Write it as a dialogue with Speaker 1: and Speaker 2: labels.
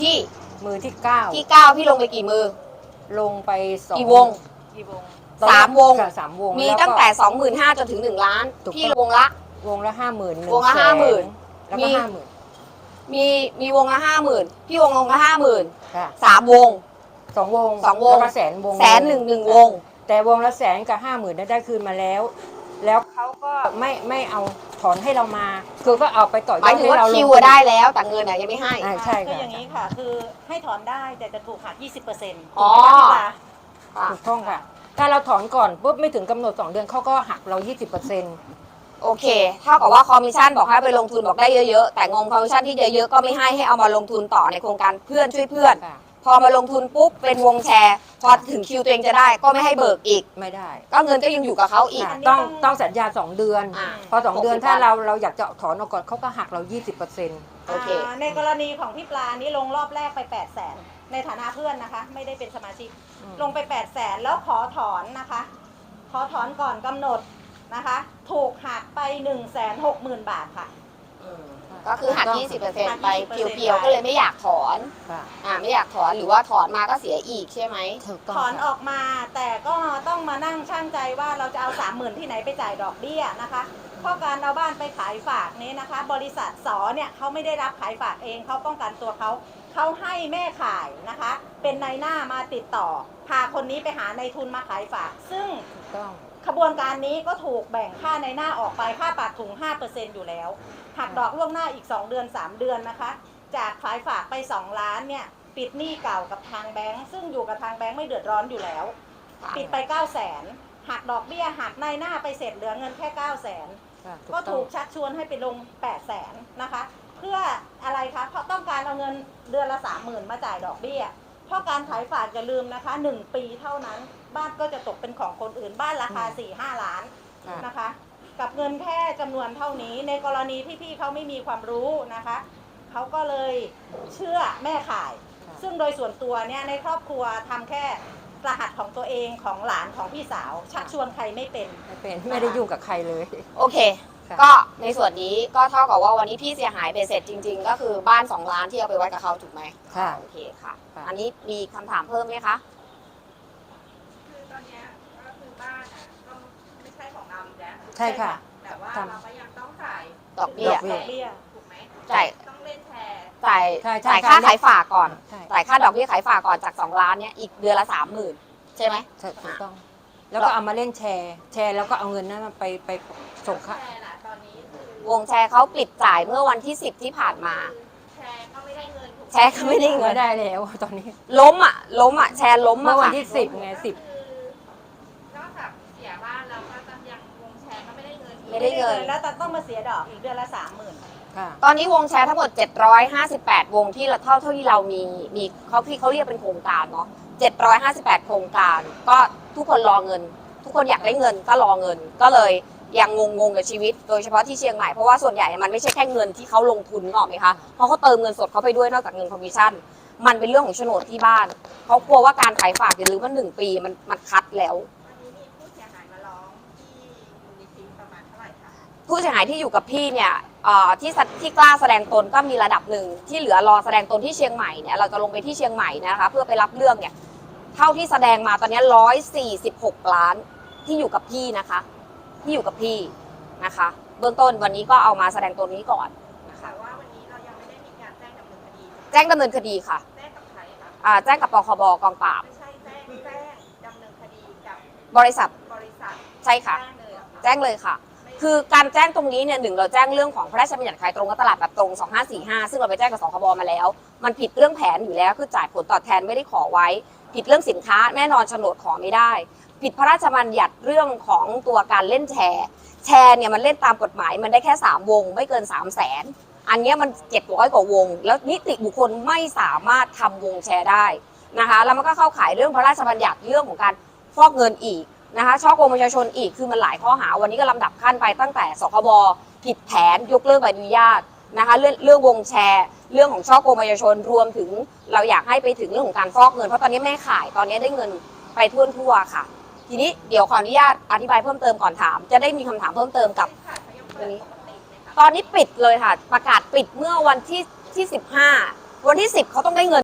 Speaker 1: ที่
Speaker 2: มือที่เก้า
Speaker 1: พี่ลงไปกี่มือ
Speaker 2: ลงไป2
Speaker 1: กี่วง3 วง
Speaker 2: 3 วง
Speaker 1: มีตั้งแต่ 25,000 จนถึง1 ล้านพี่วงละ
Speaker 2: 50,000
Speaker 1: วงละ 50,000
Speaker 2: แล้วก็50,000
Speaker 1: มีวงละ 50,000พี่วงละ 50,000
Speaker 2: ค่ะ
Speaker 1: 3 วง
Speaker 2: 2 วงแล้วก็100,000 วง
Speaker 1: 1,000,000 วง
Speaker 2: แต่วงละ100,000กับ50,000ได้คืนมาแล้วเขาก็ไม่เอาถอนให้เรามาคือก็เอาไปต่อยอดให้เรา
Speaker 1: คิวได้แล้วแต่เงินยังไม่ให้
Speaker 2: ใช่
Speaker 3: คืออย่างนี้ค่ะคือให้ถอนได้แต่จะถูกหัก 20%
Speaker 1: อ๋อ
Speaker 2: ถูกต้องค่ะถ้าเราถอนก่อนปุ๊บไม่ถึงกำหนด2 เดือนเขาก็หักเรา 20%
Speaker 1: โอเคเท่ากับว่าคอมมิชชั่นบอกให้ไปลงทุนบอกได้เยอะๆแต่งงคอมมิชชั่นที่เยอะๆก็ไม่ให้เอามาลงทุนต่อในโครงการเพื่อนช่วยเพื่อนพอมาลงทุนปุ๊บเป็นวงแชร์พอถึงคิวตัวเองจะได้ก็ไม่ให้เบิกอีก
Speaker 2: ไม่ได้
Speaker 1: ก็เงินก็ยังอยู่กับเขาอีก
Speaker 2: ต้องสัญญา2 เดือนพอ2 เดือนถ้าเราอยากจะถอนออกก่อนเขาก็หักเรา 20%
Speaker 1: โอเค
Speaker 3: ในกรณีของพี่ปลานี่ลงรอบแรกไป 800,000ในฐานะเพื่อนนะคะไม่ได้เป็นสมาชิกลงไป 800,000แล้วขอถอนนะคะขอถอนก่อนกำหนดนะคะถูกหักไป 160,000 บาทค่ะ
Speaker 1: ก็คือหัก 20% ไปเพียวๆก็เลยไม่อยากถอนไม่อยากถอนหรือว่าถอนมาก็เสียอีกใช่ไหม
Speaker 3: ถอนออกมาแต่ก็ต้องมานั่งชั่งใจว่าเราจะเอา 30,000 ที่ไหนไปจ่ายดอกเบี้ยนะคะเพราะการเอาบ้านไปขายฝากนี้นะคะบริษัทสเนี่ยเขาไม่ได้รับขายฝากเองเขาป้องกันตัวเขาให้แม่ขายนะคะเป็นนายหน้ามาติดต่อพาคนนี้ไปหานายทุนมาขายฝากซึ่งขบวนการนี้ก็ถูกแบ่งค่านายหน้าออกไปค่าปากถุง 5% อยู่แล้วหักดอกล่วงหน้าอีก2 เดือน 3 เดือนนะคะจากขายฝากไป2 ล้านเนี่ยปิดหนี้เก่ากับทางแบงก์ซึ่งอยู่กับทางแบงก์ไม่เดือดร้อนอยู่แล้วปิดไป 900,000 หักดอกเบี้ยหักนายหน้าไปเสร็จเหลือเงินแค่ 900,000 ก็ถูกชักชวนให้ไปลง 800,000 นะคะเพื่ออะไรคะเพราะต้องการเอาเงินเดือนละ 30,000 มาจ่ายดอกเบี้ยเพราะการขายฝากอย่าลืมนะคะ1 ปีเท่านั้นบ้านก็จะตกเป็นของคนอื่นบ้านราคา 4-5 ล้านนะคะกับเงินแค่จำนวนเท่านี้ในกรณีที่พี่เขาไม่มีความรู้นะคะเขาก็เลยเชื่อแม่ขายซึ่งโดยส่วนตัวเนี่ยในครอบครัวทำแค่รหัสของตัวเองของหลานของพี่สาวชักชวนใครไม่เป็น
Speaker 2: ไม่ได้ยุ่งกับใครเลย
Speaker 1: โอเคก็ในส่วนนี้ก็เท่ากับว่าวันนี้พี่เสียหายไปเสร็จจริงๆก็คือบ้าน2 ล้านที่เอาไปไว้กับเขาถูกไหม
Speaker 2: ค่ะ
Speaker 1: โอเคค่ะอันนี้มีคำถามเพิ่มไหมคะ
Speaker 4: คือตอนนี้ก็คือบ้านก็ไม่ใช่ของเราอีกแล้ว
Speaker 2: ใช่ค่ะ
Speaker 4: แต่ว่าเราก็ยังต้องจ่าย
Speaker 1: ดอกเบี้ย
Speaker 4: ถูกไหม
Speaker 1: จ่าย
Speaker 4: ต้องเล่นแชร์
Speaker 1: จ่ายค่าขายฝากก่อนจ่ายค่าดอกเบี้ยขายฝากก่อนจาก2 ล้านเนี่ยอีกเดือนละ 30,000ใช่ไหม
Speaker 2: ใช่ถูกต้องแล้วก็เอามาเล่นแชร์แล้วก็เอาเงินนั้นไปส่งค่า
Speaker 1: วงแชร์เขาปิดจ่ายเมื่อวันที่10ที่ผ่านมา
Speaker 4: แชร์ก็ไม่ได้เงิน
Speaker 1: แชร์ก็ไม่ได้เงิน
Speaker 2: ได้แล้วตอนนี้
Speaker 1: ล้มอ่ะแชร์ล้ม
Speaker 2: เมื่อวันที่10ไง10
Speaker 4: นอกจากเสียบ้านเราก็ต้องยังวงแชร์ก็ไม่ได้เงิน
Speaker 3: แล้วต้องมาเสียดอกอีกเดือนละ 30,000
Speaker 1: ตอนนี้วงแชร์ทั้งหมด758 วงที่เท่าที่เรามีเขาเรียกเป็นโครงการเนาะ758 โครงการก็ทุกคนรอเงินทุกคนอยากได้เงินก็รอเงินก็เลยยังงงกับชีวิตโดยเฉพาะที่เชียงใหม่เพราะว่าส่วนใหญ่มันไม่ใช่แค่เงินที่เขาลงทุนหรอกไหมคะเพราะเขาเติมเงินสดเขาไปด้วยนอกจากเงินคอมมิชชั่นมันเป็นเรื่องของโฉนดที่บ้านเขากลัวว่าการขายฝากอย่าลืมว่า1 ปีมันคัดแล้ว
Speaker 4: วันนี้มีผู้เสียหายมาร้องที่มูลนิธิประมาณเท่าไหร่คะ
Speaker 1: ผู้เสียหายที่อยู่กับพี่เนี่ยที่กล้าแสดงตนก็มีระดับหนึ่งที่เหลือรอแสดงตนที่เชียงใหม่เนี่ยเราจะลงไปที่เชียงใหม่นะคะเพื่อไปรับเรื่องเนี่ยเท่าที่แสดงมาตอนนี้146 ล้านที่อยู่กับพี่นะคะที่อยู่กับพี่นะคะเบื้องต้นวันนี้ก็เอามาแสดงตัวนี้ก่อน
Speaker 4: นะคะว่าวันนี้เรายังไม่ได้มีการแจ้งดำเนินคดี
Speaker 1: แจ้งดำเนินคดีค่ะ
Speaker 4: แจ้งกับใคร
Speaker 1: คะแจ้งกับปคบกองปราบ
Speaker 4: ไม่ใช่แจ้งดำเนินคดีกับบ
Speaker 1: ริษัทใช่ค่ะแจ้งเลยค่ะคือการแจ้งตรงนี้เนี่ย1เราแจ้งเรื่องของพระราชบัญญัติขายตรงกับตลาดแบบตรง2545ซึ่งเราไปแจ้งกับสคบมาแล้วมันผิดเรื่องแผนอยู่แล้วคือจ่ายผลตอบแทนไม่ได้ขอไว้ผิดเรื่องสินค้าแน่นอนโฉนดขอไม่ได้ผิดพระราชบัญญัติเรื่องของตัวการเล่นแชร์เนี่ยมันเล่นตามกฎหมายมันได้แค่3 วงไม่เกิน 300,000อันนี้มัน700 กว่าวงแล้วนิติบุคคลไม่สามารถทำวงแชร์ได้นะคะแล้วมันก็เข้าข่ายเรื่องพระราชบัญญัติเรื่องของการฟอกเงินอีกนะคะช่อโกงประชาชนอีกคือมันหลายข้อหาวันนี้ก็ลำดับขั้นไปตั้งแต่สคบผิดแผนยกเลิกใบอนุญาตนะคะเรื่องวงแชร์เรื่องของช่อโกงประชาชนรวมถึงเราอยากให้ไปถึงเรื่องของการฟอกเงินเพราะตอนนี้แม่ขายตอนนี้ได้เงินไปทั่วค่ะทีนี้เดี๋ยวขออนุญาตอธิบายเพิ่มเติมก่อนถามจะได้มีคำถามเพิ่มเติมกับตอนนี้ปิดเลยค่ะประกาศปิดเมื่อวันที่15 วันที่ 10เขาต้องได้เงิน